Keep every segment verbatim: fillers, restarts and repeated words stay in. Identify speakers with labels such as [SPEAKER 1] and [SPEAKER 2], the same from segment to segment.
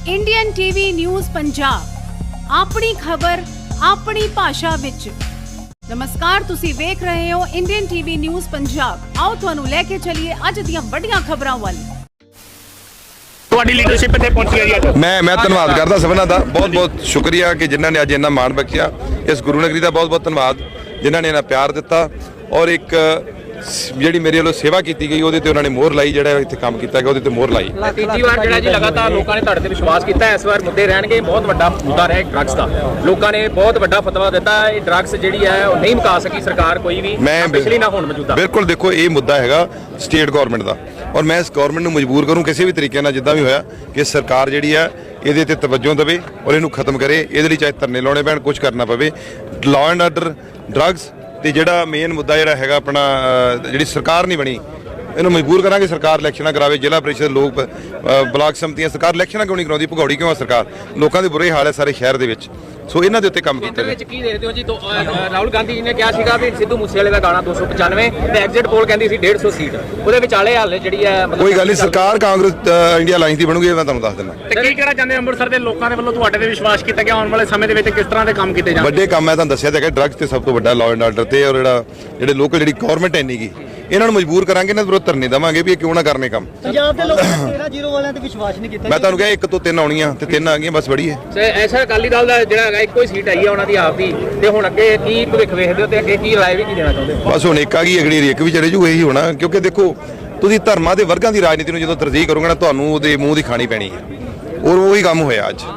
[SPEAKER 1] Indian TV news Punjab अपनी खबर अपनी भाषा विच। नमस्कार, तुसी वेख रहे हो इंडियन टीवी न्यूज़ पंजाब। आओ तुहानू लेके चलिए अज दियां वड्डियां खबरां वल।
[SPEAKER 2] लीडरशिप इत्थे पहुंची है जी।
[SPEAKER 3] मैं मैं धन्नवाद करदा सबना दा, बहुत बहुत शुक्रिया कि जिन्हां ने अज इन्ना मान बख्शिया। इस गुरु नगरी का बहुत बहुत धन्नवाद जिन्हां ने इन्ना प्यार दिता और एक ਜਿਹੜੀ ਮੇਰੇ ਵੱਲੋਂ ਸੇਵਾ ਕੀਤੀ ਗਈ ਉਹਦੇ ਤੇ ਉਹਨਾਂ ਨੇ ਮੋਹਰ ਲਾਈ, ਜਿਹੜਾ ਇੱਥੇ ਕੰਮ ਕੀਤਾ ਗਿਆ ਉਹਦੇ ਤੇ ਮੋਹਰ ਲਾਈ।
[SPEAKER 2] ਤੀਜੀ ਵਾਰ ਜਿਹੜਾ ਜੀ ਲਗਾਤਾਰ ਲੋਕਾਂ ਨੇ ਤੁਹਾਡੇ ਤੇ ਵਿਸ਼ਵਾਸ ਕੀਤਾ, ਇਸ ਵਾਰ ਮੁੱਦੇ ਰਹਿਣਗੇ। ਬਹੁਤ ਵੱਡਾ ਮੁੱਦਾ ਰਿਹਾ ਡਰੱਗਸ ਦਾ, ਲੋਕਾਂ ਨੇ ਬਹੁਤ ਵੱਡਾ ਫਤਵਾ ਦਿੱਤਾ। ਇਹ ਡਰੱਗਸ ਜਿਹੜੀ ਹੈ ਉਹ ਨਹੀਂ ਮੁਕਾ ਸਕੀ ਸਰਕਾਰ ਕੋਈ ਵੀ, ਪਿਛਲੀ ਨਾ ਹੁਣ ਮੌਜੂਦਾ।
[SPEAKER 3] ਬਿਲਕੁਲ ਦੇਖੋ, ਇਹ ਮੁੱਦਾ ਹੈਗਾ ਸਟੇਟ ਗਵਰਨਮੈਂਟ ਦਾ ਔਰ ਮੈਂ ਇਸ ਗਵਰਨਮੈਂਟ ਨੂੰ ਮਜਬੂਰ ਕਰੂੰ ਕਿਸੇ ਵੀ ਤਰੀਕੇ ਨਾਲ, ਜਿੱਦਾਂ ਵੀ ਹੋਇਆ, ਕਿ ਸਰਕਾਰ ਜਿਹੜੀ ਹੈ ਇਹਦੇ ਤੇ ਤਵੱਜੋ ਦੇਵੇ ਔਰ ਇਹਨੂੰ ਖਤਮ ਕਰੇ। ਇਹਦੇ ਲਈ ਚਾਹੇ ਧਰਨੇ ਲਾਉਣੇ ਪੈਣ, ਕੁਝ ਕਰਨਾ ਪਵੇ। ਲਾਅ ਐਂਡ ਆਰਡਰ, ਡਰੱਗਸ ਤੇ ਜਿਹੜਾ ਮੇਨ ਮੁੱਦਾ ਜਿਹੜਾ ਹੈਗਾ ਆਪਣਾ ਜਿਹੜੀ ਸਰਕਾਰ ਨਹੀਂ ਬਣੀ, ਇਹਨੂੰ ਮਜਬੂਰ ਕਰਾਂਗੇ ਸਰਕਾਰ ਇਲੈਕਸ਼ਨਾਂ ਕਰਾਵੇ। ਜ਼ਿਲ੍ਹਾ ਪ੍ਰੀਸ਼ਦ, ਲੋਕ ਬਲਾਕ ਸਮਤੀਆਂ, ਸਰਕਾਰ ਇਲੈਕਸ਼ਨਾਂ ਕਿਉਂ ਨਹੀਂ ਕਰਾਉਂਦੀ? ਭਗੌੜੀ ਕਿਉਂ ਆ ਸਰਕਾਰ? ਲੋਕਾਂ ਦੇ ਬੁਰੇ ਹਾਲ ਹੈ ਸਾਰੇ ਸ਼ਹਿਰ ਦੇ ਵਿੱਚ। ਸੋ ਇਹਨਾਂ ਦੇ ਉੱਤੇ ਕੰਮ ਕੀਤਾ
[SPEAKER 2] ਜਾਵੇ। ਕੀ ਦੇਖਦੇ ਹੋ ਜੀ? ਰਾਹੁਲ ਗਾਂਧੀ ਜੀ ਨੇ ਕਿਹਾ ਸੀਗਾ ਵੀ ਸਿੱਧੂ ਮੂਸੇਵਾਲੇ ਦਾ ਗਾਣਾ ਦੋ ਸੌ ਪਚਾਨਵੇਂ ਤੇ ਐਗਜ਼ਿਟ ਪੋਲ ਕਹਿੰਦੀ ਸੀ ਡੇਢ ਸੌ ਸੀਟ, ਉਹਦੇ ਵਿਚਾਲੇ ਹਾਲੇ ਜਿਹੜੀ ਹੈ
[SPEAKER 3] ਕੋਈ ਗੱਲ ਨਹੀਂ। ਸਰਕਾਰ ਕਾਂਗਰਸ ਇੰਡੀਆ ਅਲਾਈਅੰਸ ਦੀ ਬਣੂਗੀ, ਮੈਂ ਤੁਹਾਨੂੰ ਦੱਸ ਦਿੰਦਾ।
[SPEAKER 2] ਤੇ ਕੀ ਕਹਿਣਾ ਚਾਹੁੰਦੇ ਅੰਮ੍ਰਿਤਸਰ ਦੇ ਲੋਕਾਂ ਦੇ ਵੱਲੋਂ ਤੁਹਾਡੇ ਤੇ ਵਿਸ਼ਵਾਸ ਕੀਤਾ ਗਿਆ? ਆਉਣ ਵਾਲੇ ਸਮੇਂ ਦੇ ਵਿੱਚ ਕਿਸ ਤਰ੍ਹਾਂ ਦੇ ਕੰਮ ਕੀਤੇ ਜਾਣਗੇ?
[SPEAKER 3] ਵੱਡੇ ਕੰਮ ਮੈਂ ਤੁਹਾਨੂੰ ਦੱਸਿਆ ਤਾਂ ਹੈਗਾ, ਡਰੱਗਸ ਤੇ ਸਭ ਤੋਂ ਵੱਡਾ ਲਾਅ ਐਂਡ ਆਰਡਰ ਤੇ, ਔਰ ਜਿਹੜਾ ਜਿਹੜੇ ਲੋਕਲ ਜਿਹੜੀ ਗਵਰਨਮੈਂਟ ਹੈ ਨਹੀਂ ਗੀ, ਇਹਨਾਂ ਨੂੰ ਮਜਬੂਰ ਕਰਾਂਗੇ, ਇਹਨਾਂ ਦੇ ਵਿਰੁੱਧ ਧਰਨੇ ਦੇਵਾਂਗੇ ਵੀ ਇਹ ਕਿਉਂ ਨਾ ਕਰਨੇ ਕੰਮ।
[SPEAKER 4] ਪੰਜਾਬ ਦੇ ਲੋਕਾਂ ਨੇ ਤੇਰਾਂ ਜ਼ੀਰੋ ਵਾਲਿਆਂ ਤੇ ਵਿਸ਼ਵਾਸ ਨਹੀਂ ਕੀਤਾ।
[SPEAKER 3] ਮੈਂ ਤੁਹਾਨੂੰ ਕਿਹਾ ਇੱਕ ਤੋਂ ਤਿੰਨ ਆਉਣੀਆਂ ਤੇ ਤਿੰਨ ਆ ਗਈਆਂ, ਬਸ ਬੜੀ ਹੈ।
[SPEAKER 2] ਤੇ ਐਸਾ ਅਕਾਲੀ ਦਲ ਦਾ ਜਿਹੜਾ ਹੈਗਾ ਇੱਕੋ ਹੀ ਸੀਟ ਆਈ ਹੈ ਉਹਨਾਂ ਦੀ ਆਪ ਦੀ, ਤੇ ਹੁਣ ਅੱਗੇ ਕੀ ਭਵਿੱਖ ਵੇਖਦੇ ਹੋ ਤੇ ਅੱਗੇ ਕੀ ਰਾਏ ਵੀ ਕੀ ਦੇਣਾ ਚਾਹੁੰਦੇ ਹੋ?
[SPEAKER 3] ਬਸ ਹੁਣ ਇੱਕ ਆ ਗਈ, ਅਗਲੀ ਇੱਕ ਵੀ ਚਲੇ ਜੂ, ਇਹੀ ਹੋਣਾ। ਕਿਉਂਕਿ ਦੇਖੋ, ਤੁਸੀਂ ਧਰਮਾਂ ਦੇ ਵਰਗਾਂ ਦੀ ਰਾਜਨੀਤੀ ਨੂੰ ਜਦੋਂ ਤਰਜੀਹ ਕਰੋਗੇ ਨਾ, ਤੁਹਾਨੂੰ ਉਹਦੇ ਮੂੰਹ ਦੀ ਖਾਣੀ ਪੈਣੀ ਹੈ। ਔਰ ਉਹੀ ਕੰਮ ਹੋਇਆ ਅੱਜ।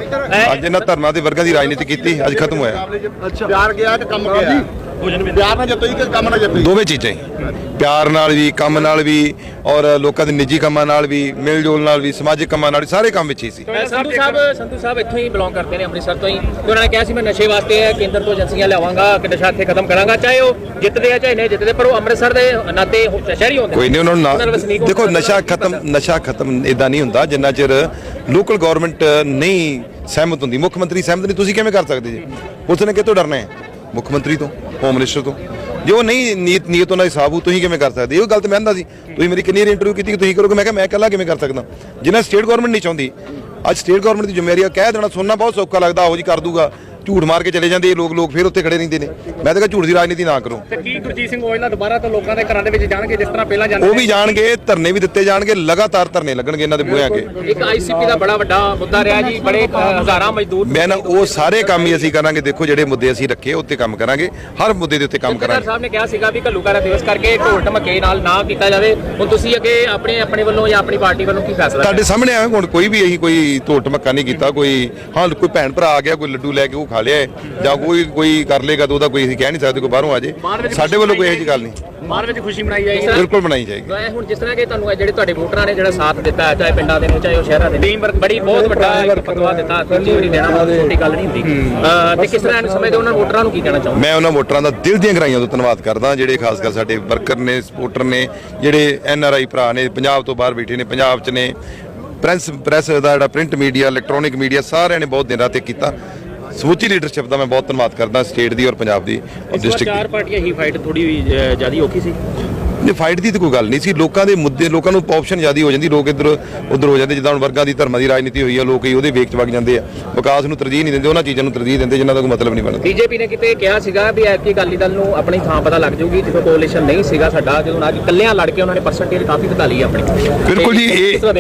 [SPEAKER 3] ਅੱਜ ਇਹਨਾਂ ਧਰਮਾਂ ਦੇ ਵਰਗਾਂ ਦੀ ਰਾਜਨੀਤੀ ਕੀਤੀ, ਅੱਜ ਖਤਮ ਹੋਇਆ।
[SPEAKER 5] ਪਿਆਰ ਗਿਆ ਤੇ ਕੰਮ ਗਿਆ। ਪਿਆਰ ਨਾਲ ਜਿੱਤੋ ਕਿ ਕੰਮ ਨਾਲ ਜਿੱਤੋ,
[SPEAKER 3] ਦੋਵੇਂ ਚੀਜ਼ਾਂ ਹੀ, ਪਿਆਰ ਨਾਲ ਵੀ, ਕੰਮ ਨਾਲ ਵੀ, ਔਰ ਲੋਕਾਂ ਦੇ ਨਿੱਜੀ ਕੰਮਾਂ ਨਾਲ ਵੀ, ਮਿਲ ਜੁਲ ਨਾਲ ਵੀ, ਸਮਾਜਿਕ ਕੰਮਾਂ ਨਾਲ ਵੀ, ਸਾਰੇ ਕੰਮ ਵਿੱਚ ਹੀ ਸੀ।
[SPEAKER 2] ਸੰਧੂ ਸਾਹਿਬ ਸੰਧੂ ਸਾਹਿਬ ਇੱਥੋਂ ਹੀ ਬਿਲੋਂਗ ਕਰਦੇ ਨੇ, ਅੰਮ੍ਰਿਤਸਰ ਤੋਂ ਹੀ, ਤੇ ਉਹਨਾਂ ਨੇ ਕਿਹਾ ਸੀ ਮੈਂ ਨਸ਼ੇ ਵਾਸਤੇ ਕੇਂਦਰ ਤੋਂ ਏਜੰਸੀਆਂ ਲਿਆਵਾਂਗਾ ਕਿ ਨਸ਼ਾ ਇੱਥੇ ਖਤਮ ਕਰਾਂਗਾ, ਚਾਹੇ ਉਹ ਜਿੱਤਦੇ ਆ ਚਾਹੇ ਨਹੀਂ ਜਿੱਤਦੇ, ਪਰ ਉਹ ਅੰਮ੍ਰਿਤਸਰ ਦੇ ਨਾਤੇ ਸ਼ਹਿਰੀ ਹੁੰਦੇ।
[SPEAKER 3] ਕੋਈ ਨਹੀਂ, ਉਹਨਾਂ ਨੂੰ ਦੇਖੋ, ਨਸ਼ਾ ਖਤਮ ਨਸ਼ਾ ਖਤਮ ਇਦਾਂ ਨਹੀਂ ਹੁੰਦਾ ਜਿੰਨਾ ਚਿਰ ਲੋਕਲ ਗਵਰਨਮੈਂਟ ਨਹੀਂ ਸਹਿਮਤ ਹੁੰਦੀ। ਮੁੱਖ ਮੰਤਰੀ ਸਹਿਮਤ ਨਹੀਂ, ਤੁਸੀਂ ਕਿਵੇਂ ਕਰ ਸਕਦੇ ਜੀ? ਪੁਲਿਸ ਨੇ ਕਿਤੋਂ ਡਰਨਾ ਹੈ? ਮੁੱਖ ਮੰਤਰੀ ਤੋਂ, ਹੋਮ ਮਿਨਿਸਟਰ ਤੋਂ। ਜੇ ਉਹ ਨਹੀਂ ਨੀਤ ਨੀਅਤ ਉਹਨਾਂ ਦੀ ਹਿਸਾਬ ਹੋ, ਤੁਸੀਂ ਕਿਵੇਂ ਕਰ ਸਕਦੇ? ਇਹ ਗੱਲ ਤਾਂ ਮੈਂ ਕਹਿੰਦਾ ਸੀ, ਤੁਸੀਂ ਮੇਰੀ ਕਿੰਨੀ ਵਾਰ ਇੰਟਰਵਿਊ ਕੀਤੀ ਕਿ ਤੁਸੀਂ ਕਰੋਗੇ, ਮੈਂ ਕਿਹਾ ਮੈਂ ਇਕੱਲਾ ਕਿਵੇਂ ਕਰ ਸਕਦਾ? ਜਿੰਨਾ ਸਟੇਟ ਗਵਰਨਮੈਂਟ ਨਹੀਂ ਚਾਹੁੰਦੀ। ਅੱਜ ਸਟੇਟ ਗਵਰਨਮੈਂਟ ਦੀ ਜ਼ਿੰਮੇਵਾਰੀ ਆ, ਕਹਿ ਦੇਣਾ ਸੁਣਨਾ ਬਹੁਤ ਸੌਖਾ ਲੱਗਦਾ, ਆਹੋ ਜੀ ਕਰ ਦੂਗਾ, ਝੂਠ ਮਾਰ ਕੇ ਚਲੇ ਜਾਂਦੇ ਲੋਕ ਲੋਕ ਫਿਰ ਉੱਥੇ ਖੜੇ ਰਹਿੰਦੇ ਨੇ। ਮੈਂ ਤਾਂ ਕਿਹਾ ਝੂਠ ਦੀ ਰਾਜਨੀਤੀ ਨਾ ਕਰੋ।
[SPEAKER 2] ਤੇ ਕੀ ਗੁਰਜੀਤ ਸਿੰਘ ਔਜਲਾ ਦੁਬਾਰਾ ਤੋਂ ਲੋਕਾਂ ਦੇ ਘਰਾਂ ਦੇ ਵਿੱਚ ਜਾਣਗੇ ਜਿਸ ਤਰ੍ਹਾਂ ਪਹਿਲਾਂ ਜਾਂਦੇ?
[SPEAKER 3] ਉਹ ਵੀ ਜਾਣਗੇ, ਧਰਨੇ ਵੀ ਦਿੱਤੇ ਜਾਣਗੇ, ਲਗਾਤਾਰ ਧਰਨੇ ਲੱਗਣਗੇ ਇਹਨਾਂ ਦੇ ਬੂਹਿਆਂ ਅੱਗੇ।
[SPEAKER 2] ਇੱਕ ਆਈਸੀਪੀ ਦਾ ਬੜਾ ਵੱਡਾ ਮੁੱਦਾ ਰਿਹਾ ਜੀ, ਬੜੇ ਹਜ਼ਾਰਾਂ ਮਜ਼ਦੂਰ।
[SPEAKER 3] ਮੈਂ ਨਾ ਉਹ ਸਾਰੇ ਕੰਮ ਹੀ ਅਸੀਂ ਕਰਾਂਗੇ। ਦੇਖੋ, ਜਿਹੜੇ ਮੁੱਦੇ ਅਸੀਂ ਰੱਖੇ ਉੱਤੇ ਕੰਮ ਕਰਾਂਗੇ, ਹਰ ਮੁੱਦੇ ਦੇ ਉੱਤੇ ਕੰਮ ਕਰਾਂਗੇ।
[SPEAKER 2] ਸਾਹਿਬ ਨੇ ਕਿਹਾ ਸੀਗਾ ਵੀ ਘੱਲੂਘਾਰਾ ਦਿਵਸ ਕਰਕੇ ਢੋਲ ਢਮਕੇ ਨਾਲ ਨਾ ਕੀਤਾ ਜਾਵੇ। ਹੁਣ ਤੁਸੀਂ ਅੱਗੇ ਆਪਣੇ ਆਪਣੇ ਵੱਲੋਂ ਜਾਂ ਆਪਣੀ ਪਾਰਟੀ ਵੱਲੋਂ ਕੀ ਫੈਸਲਾ?
[SPEAKER 3] ਤੁਹਾਡੇ ਸਾਹਮਣੇ ਆਇਆ, ਹੁਣ ਕੋਈ ਵੀ ਅਸੀਂ ਕੋਈ ਢੋਲ ਢਮਕਾ ਨਹੀਂ ਕੀਤਾ। ਕੋਈ ਹਾਂ ਕੋਈ ਭੈਣ ਭਰਾ ਆ ਗਿਆ, ਕੋਈ ਲੱਡੂ ਲੈ ਕੇ ਉਹ ਖਾ ਲਿਆ, ਜਾਂ ਕੋਈ ਕੋਈ ਕਰ ਲੇਗਾ ਤਾਂ ਉਹਦਾ ਕੋਈ ਅਸੀਂ ਕਹਿ ਨਹੀਂ ਸਕਦੇ, ਕੋਈ ਬਾਹਰੋਂ ਆ ਜੇ। ਸਾਡੇ ਵੱਲੋਂ ਕੋਈ ਇਹੋ ਜਿਹੀ ਗੱਲ ਨਹੀਂ।
[SPEAKER 2] ਬਾਹਰ ਵਿੱਚ ਖੁਸ਼ੀ ਮਨਾਈ ਜਾਏਗੀ,
[SPEAKER 3] ਬਿਲਕੁਲ ਮਨਾਈ ਜਾਏਗੀ।
[SPEAKER 2] ਹੁਣ ਜਿਸ ਤਰ੍ਹਾਂ ਕਿ ਤੁਹਾਨੂੰ ਜਿਹੜੇ ਤੁਹਾਡੇ ਵੋਟਰਾਂ ਨੇ ਜਿਹੜਾ ਸਾਥ ਦਿੱਤਾ, ਚਾਹੇ ਪਿੰਡਾਂ ਦੇ ਨੇ ਚਾਹੇ ਉਹ ਸ਼ਹਿਰਾਂ ਦੇ, ਟੀਮ ਵਰਕ ਬੜੀ ਬਹੁਤ ਵੱਡਾ ਇੱਕ ਫਤਵਾ ਦਿੱਤਾ, ਦੂਜੀ ਵਾਰੀ ਦੇਣਾ ਛੋਟੀ ਗੱਲ ਨਹੀਂ ਹੁੰਦੀ। ਤੇ ਕਿਸ ਤਰ੍ਹਾਂ ਨੂੰ ਸਮਝਦੇ ਉਹਨਾਂ ਵੋਟਰਾਂ ਨੂੰ ਕੀ ਕਹਿਣਾ ਚਾਹੁੰਦੇ?
[SPEAKER 3] ਮੈਂ ਉਹਨਾਂ ਵੋਟਰਾਂ ਦਾ ਦਿਲ ਦੀਆਂ ਗਹਿਰਾਈਆਂ ਤੋਂ ਧੰਨਵਾਦ ਕਰਦਾ, ਜਿਹੜੇ ਖਾਸ ਕਰ ਸਾਡੇ ਵਰਕਰ ਨੇ, ਸਪੋਰਟਰ ਨੇ, ਜਿਹੜੇ ਐਨ ਆਰ ਆਈ ਭਰਾ ਨੇ, ਪੰਜਾਬ ਤੋਂ ਬਾਹਰ ਬੈਠੇ ਨੇ, ਪੰਜਾਬ 'ਚ ਨੇ, ਪ੍ਰੈਸ ਪ੍ਰੈਸ ਦਾ ਜਿਹੜਾ ਪ੍ਰਿੰਟ ਮੀਡੀਆ, ਇਲੈਕਟ੍ਰੋਨਿਕ ਮੀਡੀਆ, ਸਾਰਿਆਂ ਨੇ ਬਹੁਤ ਦਿਨ ਰਾਤ ਕੀਤਾ। ਸਮੁੱਚੀ ਲੀਡਰਸ਼ਿਪ ਦਾ ਮੈਂ ਬਹੁਤ ਧੰਨਵਾਦ ਕਰਦਾ, ਸਟੇਟ ਦੀ ਔਰ ਪੰਜਾਬ ਦੀ ਔਰ ਡਿਸਟ੍ਰਿਕਟ ਦੀ।
[SPEAKER 2] ਚਾਰ ਪਾਰਟੀਆਂ ਹੀ ਫਾਈਟ ਥੋੜੀ ਜ਼ਿਆਦਾ ਔਖੀ ਸੀ।
[SPEAKER 3] ਨਹੀਂ, ਫਾਈਟ ਦੀ ਤਾਂ ਕੋਈ ਗੱਲ ਨਹੀਂ ਸੀ। ਲੋਕਾਂ ਦੇ ਮੁੱਦੇ, ਲੋਕਾਂ ਨੂੰ ਆਪਸ਼ਨ ਜ਼ਿਆਦਾ ਹੋ ਜਾਂਦੀ, ਲੋਕ ਇੱਧਰ ਉੱਧਰ ਹੋ ਜਾਂਦੇ। ਜਿੱਦਾਂ ਹੁਣ ਵਰਗਾਂ ਦੀ, ਧਰਮਾਂ ਦੀ ਰਾਜਨੀਤੀ ਹੋਈ ਆ, ਲੋਕ ਹੀ ਉਹਦੇ ਵੇਖ ਚ ਵਗ ਜਾਂਦੇ ਆ, ਵਿਕਾਸ ਨੂੰ ਤਰਜੀਹ ਨਹੀਂ ਦਿੰਦੇ, ਉਹਨਾਂ ਚੀਜ਼ਾਂ ਨੂੰ ਤਰਜੀਹ ਦਿੰਦੇ ਜਿਨ੍ਹਾਂ ਦਾ ਕੋਈ ਮਤਲਬ ਨਹੀਂ ਬਣਦਾ।
[SPEAKER 2] ਬੀਜੇਪੀ ਨੇ ਕਿਤੇ ਕਿਹਾ ਸੀਗਾ ਵੀ ਐਤਕੀ ਅਕਾਲੀ ਦਲ ਨੂੰ ਆਪਣੀ ਥਾਂ ਪਤਾ ਲੱਗ ਜਾਊਗੀ, ਜਦੋਂ ਕੋਲੀਸ਼ਨ ਨਹੀਂ ਸੀਗਾ ਸਾਡਾ, ਜਦੋਂ ਨਾ ਕਿ ਇਕੱਲਿਆਂ ਲੜ ਕੇ ਉਹਨਾਂ ਨੇ ਪਰਸੈਂਟੇਜ ਕਾਫੀ ਵਧਾ ਲਈ ਆਪਣੀ।
[SPEAKER 3] ਬਿਲਕੁਲ ਜੀ,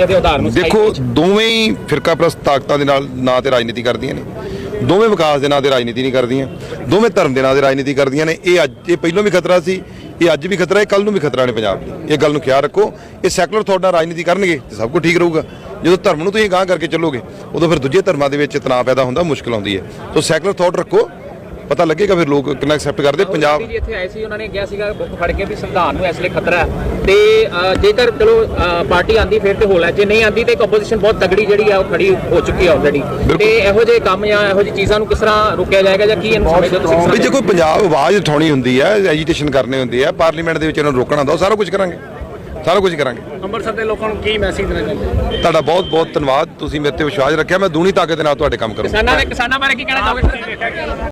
[SPEAKER 3] ਇਹ ਦੇਖੋ, ਦੋਵੇਂ ਹੀ ਫਿਰਕਾਪ੍ਰਸਤ ਤਾਕਤਾਂ ਦੇ ਨਾਲ ਨਾਂ ਤੇ ਰਾਜਨੀਤੀ ਕਰਦੀਆਂ ਨੇ, ਦੋਵੇਂ ਵਿਕਾਸ ਦੇ ਨਾਂ ਤੇ ਰਾਜਨੀਤੀ ਨਹੀਂ ਕਰਦੀਆਂ, ਦੋਵੇਂ ਧਰਮ ਦੇ ਨਾਂ ਤੇ ਰਾਜਨੀਤੀ ਕਰਦੀਆਂ ਨੇ। ਇਹ ਅੱਜ ਇਹ ਪਹਿਲਾਂ ਵੀ ਖਤਰਾ ਸੀ, ਇਹ ਅੱਜ ਵੀ ਖਤਰਾ ਹੈ, ਕੱਲ ਨੂੰ ਵੀ ਖਤਰਾ ਨੇ ਪੰਜਾਬ ਲਈ। ਇਹ ਗੱਲ ਨੂੰ ਖਿਆਲ ਰੱਖੋ। ਇਹ ਸੈਕੂਲਰ ਥਾਟ ਨਾਲ ਰਾਜਨੀਤੀ ਕਰਨਗੇ ਤੇ ਸਭ ਕੁਝ ਠੀਕ ਰਹੂਗਾ। ਜਦੋਂ ਧਰਮ ਨੂੰ ਤੁਸੀਂ ਗਾਂਹ ਕਰਕੇ ਚੱਲੋਗੇ, ਉਦੋਂ ਫਿਰ ਦੂਜੇ ਧਰਮਾਂ ਦੇ ਵਿੱਚ ਤਣਾਅ ਪੈਦਾ ਹੁੰਦਾ, ਮੁਸ਼ਕਲ ਆਉਂਦੀ ਹੈ। ਸੋ ਸੈਕੂਲਰ ਥਾਟ ਰੱਖੋ, ਪਤਾ ਲੱਗੇਗਾ ਫਿਰ ਲੋਕ ਕਿੰਨਾ ਐਕਸੈਪਟ ਕਰਦੇ। ਪੰਜਾਬ
[SPEAKER 2] ਇੱਥੇ ਆਏ ਸੀ, ਉਹਨਾਂ ਨੇ ਕਿਹਾ ਸੀਗਾ ਬੁੱਕ ਫੜ ਕੇ ਵੀ ਸੰਵਿਧਾਨ ਨੂੰ ਇਸ ਲਈ ਖਤਰਾ ਹੈ, ਤੇ ਜੇਕਰ ਚਲੋ ਪਾਰਟੀ ਆਂਦੀ ਫਿਰ ਤੇ ਹੋ ਲੈ, ਜੇ ਨਹੀਂ ਆਂਦੀ ਤੇ ਇੱਕ ਆਪੋਜੀਸ਼ਨ ਬਹੁਤ ਤਗੜੀ ਜਿਹੜੀ ਆ ਉਹ ਖੜੀ ਹੋ ਚੁੱਕੀ ਹੈ ਆਲਰੇਡੀ। ਤੇ ਇਹੋ ਜਿਹੇ ਕੰਮ ਜਾਂ ਇਹੋ ਜਿਹੀ ਚੀਜ਼ਾਂ ਨੂੰ ਕਿਸ ਤਰ੍ਹਾਂ ਰੋਕਿਆ ਜਾਏਗਾ ਜਾਂ ਕੀ ਇਹਨੂੰ ਸਮਝਦੇ ਤੁਸੀਂ?
[SPEAKER 3] ਵੀ ਜੇ ਕੋਈ ਪੰਜਾਬ ਆਵਾਜ਼ ਉਠਾਉਣੀ ਹੁੰਦੀ ਹੈ, ਐਜੀਟੇਸ਼ਨ ਕਰਨੇ ਹੁੰਦੇ ਆ, ਪਾਰਲੀਮੈਂਟ ਦੇ ਵਿੱਚ ਇਹਨਾਂ ਨੂੰ ਰੋਕਣਾ ਹੁੰਦਾ, ਉਹ ਸਾਰਾ ਕੁਝ ਕਰਾਂਗੇ, ਸਾਰਾ ਕੁਝ ਕਰਾਂਗੇ।
[SPEAKER 2] ਅੰਮ੍ਰਿਤਸਰ ਦੇ ਲੋਕਾਂ ਨੂੰ ਕੀ ਮੈਸੇਜ ਦੇਣਾ ਚਾਹੁੰਦੇ?
[SPEAKER 3] ਤੁਹਾਡਾ ਬਹੁਤ ਬਹੁਤ ਧੰਨਵਾਦ, ਤੁਸੀਂ ਮੇਰੇ ਤੇ ਵਿਸ਼ਵਾਸ ਰੱਖਿਆ। ਮੈਂ ਦੂਣੀ ਤਾਕਤ ਦੇ ਨਾਲ ਤੁਹਾਡੇ ਕੰਮ ਕਰੂੰਗਾ।
[SPEAKER 2] ਕਿਸਾਨਾਂ ਦੇ ਕਿਸਾਨਾਂ ਬਾਰੇ ਕੀ ਕਹਿਣਾ ਚਾਹੋਗੇ?